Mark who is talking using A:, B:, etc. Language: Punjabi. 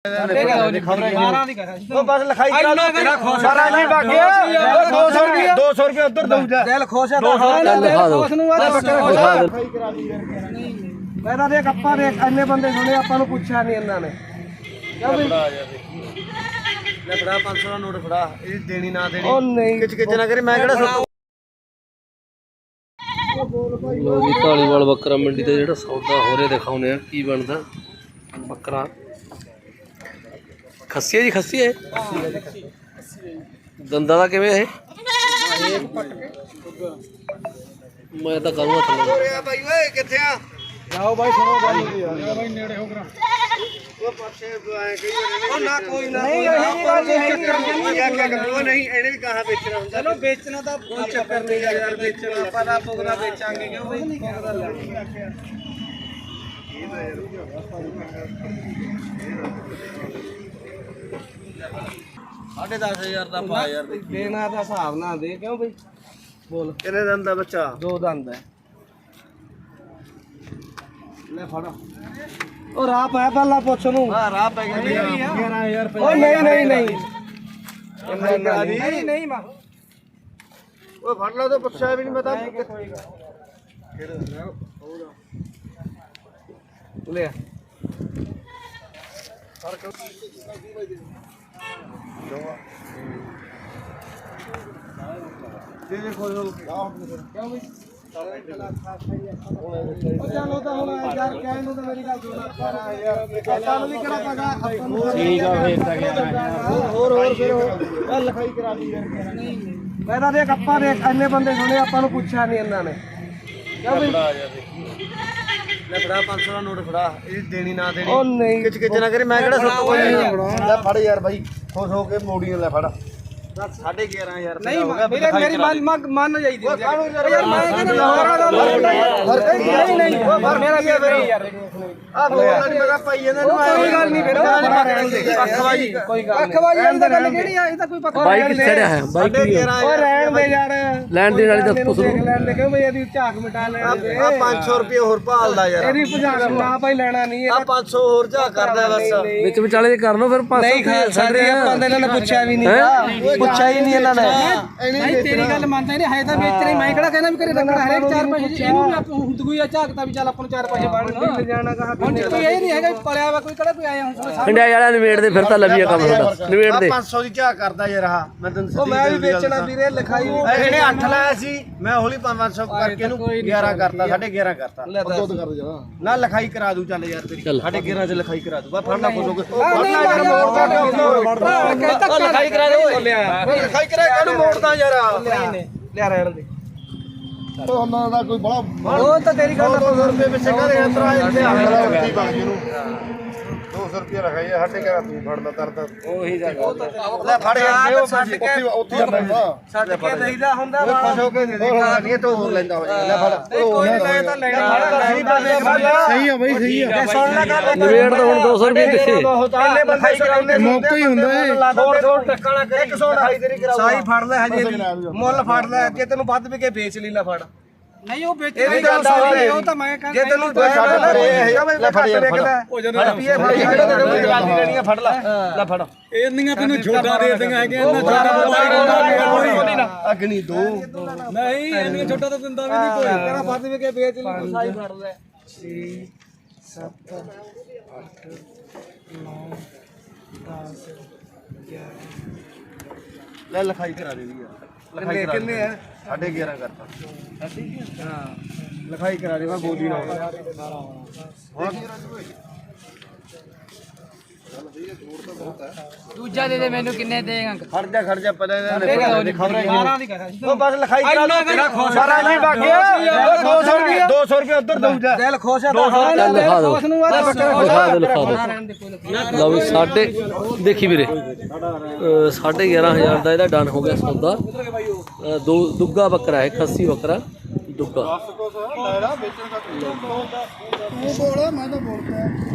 A: बस लिखाई करा लो तेरा खुश है नहीं बाकी 200 रुपए उधर दऊ जा दिल खुश है मैं ਤਾਂ ਦੇਖ ਆਪਾਂ ਦੇਖ ਇੰਨੇ ਬੰਦੇ ਸੁਣੇ ਆਪਾਂ ਨੂੰ ਪੁੱਛਿਆ ਨਹੀਂ ਇਹਨਾਂ ਨੇ ਕਿਉਂ ਵੀ ਲੈ ਫੜਾ 500 ਦਾ ਨੋਟ ਫੜਾ ਇਹ ਦੇਣੀ ਨਾ ਦੇਣੀ ਉਹ ਨਹੀਂ ਕਿਚ ਕਿਚ ਨਾ ਕਰੀ ਮੈਂ ਕਿਹੜਾ
B: ਲੋ ਜੀ ਢਾਲੀਵਾਲ ਬੱਕਰਾ ਮੰਡੀ ਤੇ ਜਿਹੜਾ ਸੌਦਾ ਹੋ ਰਿਹਾ ਦਿਖਾਉਨੇ ਆ ਕੀ ਬਣਦਾ ਬੱਕਰਾ ਖੱਸੀ ਹੈ ਜੀ ਖੱਸੀ ਹੈ ਦੰਦਾਂ ਦਾ ਕਿਵੇਂ ਇਹ ਮੈਂ ਤਾਂ ਕਰੂੰਗਾ ਥੱਲੇ
A: ਭਾਈ ਓਏ ਕਿੱਥੇ ਆ ਜਾਓ ਭਾਈ ਸੁਣੋ ਭਾਈ ਭਾਈ ਨੇੜੇ ਹੋ ਕਰਾ ਉਹ ਪਾਸੇ ਆਏ ਕਈ ਉਹ ਨਾ ਕੋਈ ਨਾ ਨਹੀਂ ਇਹ ਗੱਲ ਨਹੀਂ ਇਹਨੇ ਵੀ ਕਹਾ ਵੇਚਣਾ ਹੁੰਦਾ ਚਲੋ ਵੇਚਣਾ ਤਾਂ ਕੋਈ ਚੱਕਰ ਨਹੀਂ ਯਾਰ ਵੇਚਣਾ ਆਪਾਂ ਤਾਂ ਪੁਗਦਾ ਵੇਚਾਂਗੇ ਕਿਉਂ ਭਾਈ ਪੁਗਦਾ ਲੈ ਸਾਢੇ 10,000 ਦਾ ਪਾ ਯਾਰ ਦੇਣਾ ਦਾ ਹਿਸਾਬ ਨਾ ਦੇ ਕਿਉਂ ਬਈ ਬੋਲ ਕਿੰਨੇ ਦੰਦ ਦਾ ਬੱਚਾ 2 ਦੰਦ ਹੈ ਲੈ ਫੜ ਉਹ ਰਾਹ ਪੈ ਪਹਿਲਾਂ ਪੁੱਛ ਨੂੰ ਹਾਂ ਰਾਹ ਪੈ ਗਿਆ 11000 ਰੁਪਏ ਉਹ ਨਹੀਂ ਨਹੀਂ ਨਹੀਂ ਮਾ ਉਹ ਫੜ ਲਾ ਤਾਂ ਪੁੱਛਿਆ ਵੀ ਨਹੀਂ ਮੈਂ ਤਾਂ ਲੈ ਤੇਰੇ ਕੋਲ ਕਿਉਂ ਵੀ ਚਲੋ ਤਾਂ ਹੁਣ ਯਾਰ ਕਹਿਣ ਨੂੰ ਤਾਂ ਮੇਰੀ ਗੱਲ ਸੁਣ ਯਾਰ ਤੁਹਾਨੂੰ ਵੀ ਕਿਹੜਾ ਪਗਾ ਠੀਕ ਆ ਵੇਚਦਾ ਗਿਆ ਹੋਰ ਫਿਰ ਲਿਖਾਈ ਕਰਾ ਦੀ ਯਾਰ ਮੈਂ ਤਾਂ ਦੇਖ ਆਪਾਂ ਦੇਖ ਇੰਨੇ ਬੰਦੇ ਸੁਣੇ ਆਪਾਂ ਨੂੰ ਪੁੱਛਿਆ ਨਹੀਂ ਇਹਨਾਂ ਨੇ ਕਿਉਂ ਵੀ ਲੈ ਫੜਾ 500 ਦਾ ਨੋਟ ਫੜਾ ਇਹ ਦੇਣੀ ਨਾ ਦੇਣੀ ਉਹ ਨਹੀਂ ਕਿਚ ਕਿਚ ਨਾ ਕਰੀ ਮੈਂ ਕਿਹੜਾ ਸੱਤ ਕੋਈ ਲੈ ਫੜ ਯਾਰ ਬਾਈ ਖੁਸ਼ ਹੋ ਕੇ ਮੋੜੀ ਲੈ ਫੜ 11,500 ਨਹੀਂ ਮੇਰੀ ਮੰਨ ਜਾਈਦੀ ਯਾਰ ਮੈਂ ਕਹਿੰਦਾ ਨਹੀਂ ਮੇਰਾ ਵੀ ਯਾਰ ਆ ਬੋਲਣਾ ਨਹੀਂ ਮੈਂ ਪਾਈ ਇਹਨਾਂ ਨੂੰ ਕੋਈ ਗੱਲ ਨਹੀਂ ਫਿਰ ਅੱਖਵਾਜੀ ਕੋਈ ਗੱਲ ਅੱਖਵਾਜੀ ਅੰਦਰ ਗੱਲ ਕਿਹੜੀ ਆ ਇਹ ਤਾਂ ਕੋਈ ਪੱਕਾ
B: ਬਾਈਕ ਕਿੱਥੇ ਚੜਿਆ ਹੈ ਬਾਈਕ
A: ਓ ਰਹਿਣ ਦੇ ਯਾਰ
B: ਲੈਣ ਦੇ ਵਾਲੀ ਦਾ ਪੁੱਛ
A: ਲੈਣ ਦੇ ਕਿਉਂ ਬਈ ਇਹਦੀ ਝਾਕ ਮਿਟਾ ਲੈਣ ਦੇ ਆ 500 ਰੁਪਏ ਹੋਰ ਭਾਲਦਾ ਯਾਰ ਇਹਦੀ ਭਜਾਕ ਨਾ ਭਾਈ ਲੈਣਾ ਨਹੀਂ ਆ 500 ਹੋਰ ਝਾਕ ਕਰਦਾ ਬਸ
B: ਵਿੱਚ ਵਿਚਾਲੇ ਜੇ ਕਰ ਲਓ ਫਿਰ 500
A: ਨਹੀਂ ਸਾਡੇ ਆਪਾਂ ਤਾਂ ਇਹਨਾਂ ਨੇ ਪੁੱਛਿਆ ਵੀ ਨਹੀਂ ਪੁੱਛਿਆ ਹੀ ਨਹੀਂ ਇਹਨਾਂ ਨੇ
C: ਨਹੀਂ ਤੇਰੀ ਗੱਲ ਮੰਨਦਾ ਨਹੀਂ ਹੈ ਤਾਂ ਵੇਚਣੇ ਮੈਂ ਕਿਹੜਾ ਕਹਿੰਦਾ ਵੀ ਘਰੇ ਰੱਖਣਾ ਹਰੇਕ 4 ਪੈਸੇ ਇਹਨੂੰ ਵੀ ਆਪਾਂ ਹੁੰਦਗੂਈ ਆ ਝਾਕਤਾ ਵੀ ਚੱਲ ਆਪਾਂ ਨੂੰ 4 ਪੈਸੇ ਬਣਨ
A: ਜਾਣਾ ਕਹਾ
C: ਹੁਣ ਕੋਈ ਇਹ ਨਹੀਂ ਹੈਗਾ ਪਲਿਆ ਵਾ ਕੋਈ ਕਿਹੜਾ ਕੋਈ ਆਇਆ ਹੁਣ
B: ਇੰਡੀਆ ਵਾਲਾ ਨਿਬੇੜ ਦੇ ਫਿਰ ਤਾਂ ਲੱਭੀਆ ਕੰਮ ਤੁਹਾਡਾ ਨਿਬੇੜ ਦੇ
A: 500 ਦੀ ਝਾਕ ਕਰਦਾ ਯਾਰ ਆਹ ਮੈਂ ਤੈਨੂੰ ਸਿੱਧੀ ਮੈਂ ਵੀ ਵੇਚਣਾ ਵੀਰੇ ਲਿਖਾਈ ਇਹਨੇ 8 ਲਾਇਆ ਸੀ ਮੈਂ ਹੌਲੀ 500 ਕਰਕੇ ਇਹਨੂੰ 11 ਕਰਤਾ 11.5 ਕਰਤਾ ਦੁੱਧ ਕਰ ਜਾ ਨਾ ਲਿਖਾਈ ਕਰਾ ਦੂ ਚੱਲ ਯਾਰ ਤੇਰੀ 11.5 ਚ ਲਿਖਾਈ ਕਰਾ ਦੂ ਬਾ ਫੜਨਾ ਕੋਸੋ ਲਿਖਾਈ ਕਰਾ ਦੇ ਲਿਖਾਈ ਕਰਾ ਕਾਹਨੂੰ ਮੋੜਦਾ ਯਾਰ ਲਿਆ ਰਹਿਣ ਦੇ ਉਹਨਾਂ ਦਾ ਕੋਈ ਬੜਾ ਉਹ ਤਾਂ ਤੇਰੀ ਗੱਲ 200 ਰੁਪਏ ਪਿੱਛੇ ਕਰੇ ਇਤਰਾ ਇੱਥੇ ਆ ਗਿਆ 200 ਰੁਪਏ ਰਖਾਈ ਸਾਡੇ ਘਰ ਤੂੰ ਫੜਦਾ ਤਰਦਾ ਉਹੀ ਜਾ ਲੈ ਫੜ ਯਾਰ ਉੱਥੇ ਸਾਡੇ ਕੇ ਦੇਈਦਾ ਹੁੰਦਾ ਖੁਸ਼ ਹੋ ਕੇ ਦੇ ਦੇ ਨਹੀਂ ਤਾਂ ਹੋਰ ਲੈਂਦਾ ਹੋ ਲੈ ਫੜ ਕੋਈ ਲੈ ਤਾਂ ਲੈਣਾ ਸਹੀ ਆ ਬਈ ਸਹੀ ਆ ਸੁਣ ਲੈ ਗੱਲ
B: ਨਿਬੇੜ ਤਾਂ ਹੁਣ 200 ਰੁਪਏ ਦਿੱਤੇ
A: ਪਹਿਲੇ ਬੰਦੇ ਕਰਾਉਂਦੇ ਮੌਕਾ ਹੀ ਹੁੰਦਾ ਏ ਥੋੜ ਟੱਕਣਾ ਕਰੇ 128 ਤੇਰੀ ਕਰਾਊਗਾ ਸਾਈ ਫੜ ਲੈ ਹਜੇ ਮੁੱਲ ਫੜ ਲੈ ਜੇ ਤੈਨੂੰ ਵੱਧ ਵੀ ਕੇ ਵੇਚ ਲਈ ਲੈ ਫੜ
C: ਨਹੀਂ ਉਹ ਵੇਚਣਾ ਹੀ ਗੱਲ ਸਾਰੀ ਉਹ ਤਾਂ ਮੈਂ ਕਹਿੰਦਾ
A: ਜੇ ਤੈਨੂੰ ਛੱਡ ਕਰੇ ਲੈ ਫੜ ਯਾਰ ਰੁਪਏ ਫੜ ਲੈਣੀ ਫੜ ਲੈ ਲੈ ਫੜ
C: ਇੰਨੀਆਂ ਤੈਨੂੰ ਛੋਟਾ ਦੇ ਦਿੰਗਾ ਹੈਗੇ ਇਹਨਾਂ ਛੋਟਾ ਵਪਾਰੀ
A: ਅਗਨੀ ਦੋ
C: ਨਹੀਂ ਇੰਨੀਆਂ ਛੋਟਾ ਤਾਂ ਦਿੰਦਾ ਵੀ ਨਹੀਂ ਕੋਈ
A: ਤੇਰਾ ਵੱਧ ਵੀ ਕੇ ਵੇਚ ਲਈ ਸਾਈ ਫੜ ਲੈ 6 7 8 9 10 11 ਲੈ ਲਿਖਾਈ ਕਰਾ ਦੇ ਯਾਰ ਲਿਖਾਈ ਕਿੰਨੇ ਆ 11.5 ਕਰਤਾ ਹਾਂ ਲਿਖਾਈ ਕਰਾ ਦੇ ਮੈਂ ਬੋਲੀ ਨਾ
C: ਦੂਜਾ ਦੇ ਦੇ ਮੈਨੂੰ ਕਿੰਨੇ ਦੇਗਾ
A: ਖੜ ਜਾ ਪਤਾ ਇਹਨੇ ਖਬਰਾਂ
C: 12 ਦੀ ਕਹਾ
A: ਉਹ ਬਸ ਲਿਖਾਈ ਕਰਾ ਲਓ ਤੇਰਾ ਖੁਸ਼ ਸਾਰਾ ਨਹੀਂ ਬਾਕੀ 200 ਰੁਪਏ ਉਧਰ ਦਊ ਜਾ ਦਿਲ ਖੁਸ਼ ਹੈ
B: ਲਿਖਾ ਦੋ ਲਿਖਾ ਦੋ ਲਓ ਵੀ ਸਾਡੇ ਦੇਖੀ ਵੀਰੇ 11,500 ਦਾ ਇਹਦਾ ਡਨ ਹੋ ਗਿਆ ਸੌਦਾ ਦੁੱਗਾ ਬੱਕਰਾ ਹੈ ਖੱਸੀ ਬੱਕਰਾ ਦੁੱਗਾ